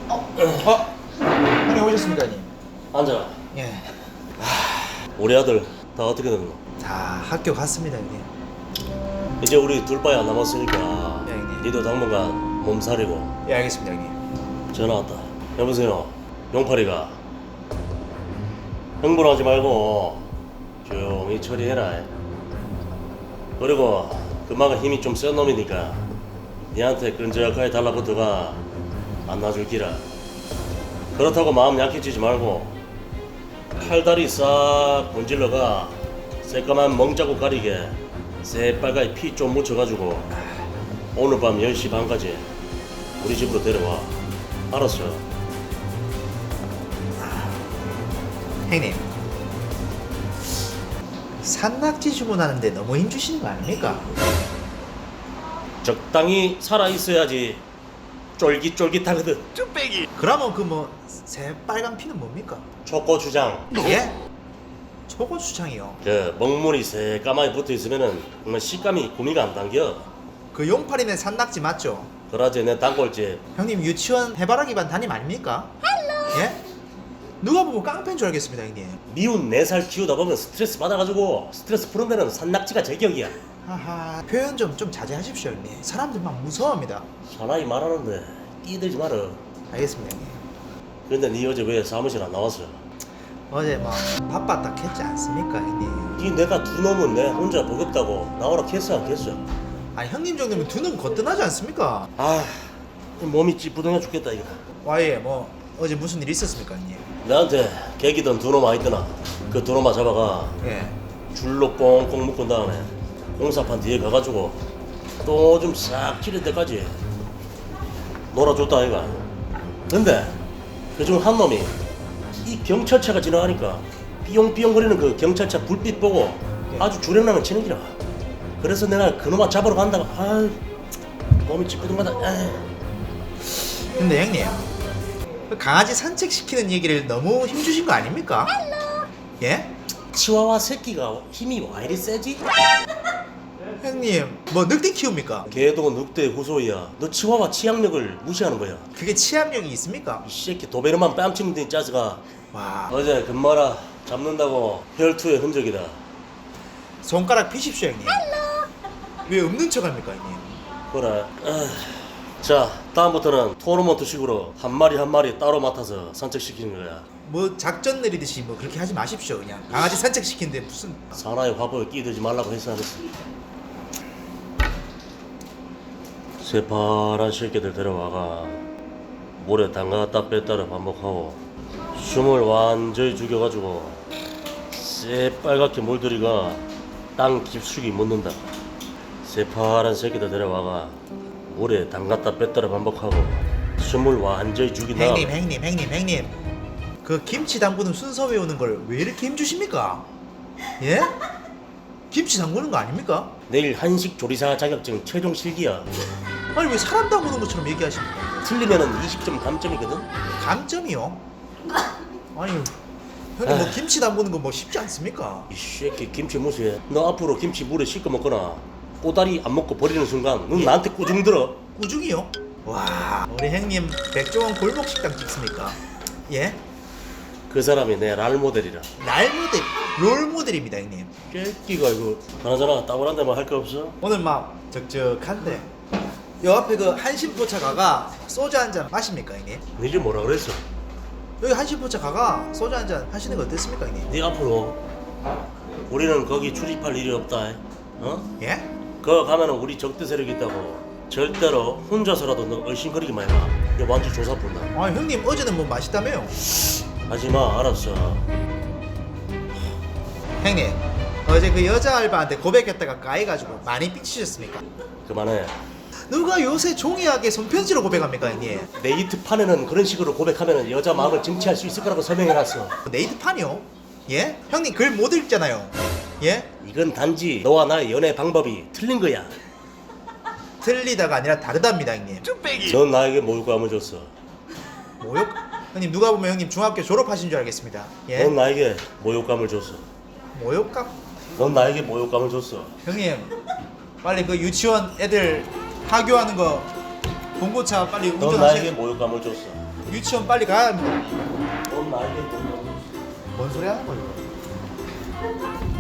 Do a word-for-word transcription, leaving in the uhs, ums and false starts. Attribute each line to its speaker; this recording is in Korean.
Speaker 1: 어? 어? 형님 오셨습니까, 형님?
Speaker 2: 앉아라.
Speaker 1: 예.
Speaker 2: 우리 아들 다 어떻게 됐노?
Speaker 1: 다 학교 갔습니다, 형님.
Speaker 2: 이제 우리 둘밖에 안 남았으니까
Speaker 1: 예, 형님.
Speaker 2: 니도 당분간 몸살이고.
Speaker 1: 예, 알겠습니다, 형님.
Speaker 2: 전화 왔다. 여보세요. 용팔이가 흥분하지 말고 조용히 처리해라. 그리고 금마가 힘이 좀 센 놈이니까 니한테 끈적하게 달라붙어가 안 놔줄 기라. 그렇다고 마음 약해지지 말고 팔다리 싹 분질러가 새까만 멍자국 가리게 새빨갛게 피 좀 묻혀가지고 오늘 밤 열 시 반까지 우리 집으로 데려와. 알았어.
Speaker 1: 형님. 산낙지 주문하는데 너무 힘주시는 거 아닙니까?
Speaker 2: 적당히 살아있어야지 쫄깃쫄깃하거든.
Speaker 1: 그러면 그 뭐 새빨간 피는 뭡니까?
Speaker 2: 초고추장.
Speaker 1: 예? 초고추장이요.
Speaker 2: 그 먹물이 새까맣게 붙어있으면은 정말 식감이 구미가 안 당겨.
Speaker 1: 그 용팔이네 산낙지 맞죠?
Speaker 2: 그러지 내 단골집.
Speaker 1: 형님 유치원 해바라기 반 담임 아닙니까? 예? 누가 보면 깡패인 줄 알겠습니다, 형님.
Speaker 2: 미운 네 살 키우다 보면 스트레스 받아가지고 스트레스 푸는 데는 산낙지가 제격이야.
Speaker 1: 하하, 표현 좀 좀 자제하십시오, 형님. 사람들 막 무서워합니다.
Speaker 2: 사나이 말하는데 끼들지 마라.
Speaker 1: 알겠습니다, 형님.
Speaker 2: 근데 니 어제 왜 사무실 안 나왔어?
Speaker 1: 어제 뭐 바빴다 했지 않습니까, 형님?
Speaker 2: 니 내가 두 놈은 내 혼자 버겁다고 나오라 했어 안 했어?
Speaker 1: 아, 형님 정도면 두 눈 거뜬하지 않습니까?
Speaker 2: 아 몸이 찌뿌둥해 죽겠다 이거.
Speaker 1: 와예, 뭐 어제 무슨 일 있었습니까, 형님?
Speaker 2: 나한테 개기던 두 놈 와있더나. 그 두 놈아 잡아가
Speaker 1: 예.
Speaker 2: 줄로 꽁꽁 묶은 다음에 공사판 뒤에 가가지고 또 좀 싹 찌를 때까지 놀아줬다 아이가. 근데 그중 한 놈이 이 경찰차가 지나가니까 삐용삐용거리는 그 경찰차 불빛 보고 아주 주량나면 치는 기라. 그래서 내가 그놈아 잡으러 간다가 아유 몸이 찌뿌둥하다. 에이.
Speaker 1: 근데 형님, 그 강아지 산책시키는 얘기를 너무 힘주신 거 아닙니까? 예?
Speaker 2: 치와와 새끼가 힘이 와 이리 세지?
Speaker 1: 형님, 뭐 늑대 키웁니까?
Speaker 2: 걔도 늑대 후소이야. 너 치와와 치약력을 무시하는 거야.
Speaker 1: 그게 치압력이 있습니까?
Speaker 2: 이 새끼 도베르만 뺨치는 데 짜스가
Speaker 1: 와,
Speaker 2: 어제 금마라 잡는다고 혈투의 흔적이다.
Speaker 1: 손가락 피십시오, 형님. 왜 없는 척 합니까, 형님?
Speaker 2: 그래. 아, 자 다음부터는 토너먼트식으로 한 마리 한 마리 따로 맡아서 산책시키는 거야.
Speaker 1: 뭐 작전 내리듯이 뭐 그렇게 하지 마십시오, 그냥. 강아지 산책시키는데 무슨.
Speaker 2: 사나이 화보에 끼들지 말라고 했어 안 했어? 새파란 새끼들 데려와가 물에 담갔다 뺐다를 반복하고 숨을 완전히 죽여가지고 새빨갛게 물들이가 땅 깊숙이 묻는다. 새파란 새끼들 데려와가 물에 담갔다 뺐다를 반복하고 숨을 완전히 죽인 다음
Speaker 1: 형님, 형님, 형님, 형님. 그 김치 담그는 순서 외우는 걸 왜 이렇게 힘주십니까? 예? 김치 담그는 거 아닙니까?
Speaker 2: 내일 한식 조리사 자격증 최종 실기야.
Speaker 1: 아니 왜 사람 담그는 것처럼 얘기하십니까?
Speaker 2: 틀리면은 이십 점 감점이거든.
Speaker 1: 감점이요? 아니 형님 뭐 김치 담그는 거 뭐 쉽지 않습니까?
Speaker 2: 이 새끼 김치 무시해. 너 앞으로 김치 물에 씻겨 먹거나 꼬다리 안 먹고 버리는 순간 넌
Speaker 1: 예?
Speaker 2: 나한테 꾸중 들어.
Speaker 1: 꾸중이요? 와, 우리 형님 백종원 골목 식당 찍습니까? 예?
Speaker 2: 그 사람이 내 랄 모델이라.
Speaker 1: 날 모델, 롤 모델입니다, 형님.
Speaker 2: 새끼가 이거 그나저나 따분한 데만 할 거 없어?
Speaker 1: 오늘 막 적적한데 요 앞에 그 한신포차 가가 소주 한 잔 마십니까, 형님?
Speaker 2: 니 집 뭐라 그랬어?
Speaker 1: 여기 한신포차 가가 소주 한 잔 하시는 거 어떻습니까, 형님?
Speaker 2: 네 앞으로 우리는 거기 출입할 일이 없다. 어?
Speaker 1: 예?
Speaker 2: 거 가면은 우리 적대 세력이 있다고 절대로 혼자서라도 너 얼씬거리기만 해봐. 이거 완전 조사 본다.
Speaker 1: 아, 형님 어제는 뭐 마시다며요?
Speaker 2: 하지마. 알았어.
Speaker 1: 형님 어제 그 여자 알바한테 고백했다가 까이가지고 많이 삐치셨습니까?
Speaker 2: 그만해.
Speaker 1: 누가 요새 종이하게 손편지로 고백합니까, 형님?
Speaker 2: 네이트판에는 그런 식으로 고백하면 여자 마음을 쟁취할 수 있을 거라고 설명해놨어.
Speaker 1: 네이트판이요? 예? 형님 글 못 읽잖아요. 예?
Speaker 2: 이건 단지 너와 나의 연애 방법이 틀린 거야.
Speaker 1: 틀리다가 아니라 다르답니다, 형님.
Speaker 2: 넌 나에게 모욕감을 줬어.
Speaker 1: 모욕? 형님 누가 보면 형님 중학교 졸업하신 줄 알겠습니다. 예?
Speaker 2: 넌 나에게 모욕감을 줬어.
Speaker 1: 모욕감?
Speaker 2: 넌 나에게 모욕감을 줬어.
Speaker 1: 형님 빨리 그 유치원 애들 하교하는 거 봉고차 빨리
Speaker 2: 넌 나에게
Speaker 1: 운전하시.
Speaker 2: 모욕감을 줬어.
Speaker 1: 유치원 빨리 가야 합니다.
Speaker 2: 넌 나에게 모욕감을 줬어.
Speaker 1: 뭔 소리 하는 거예요?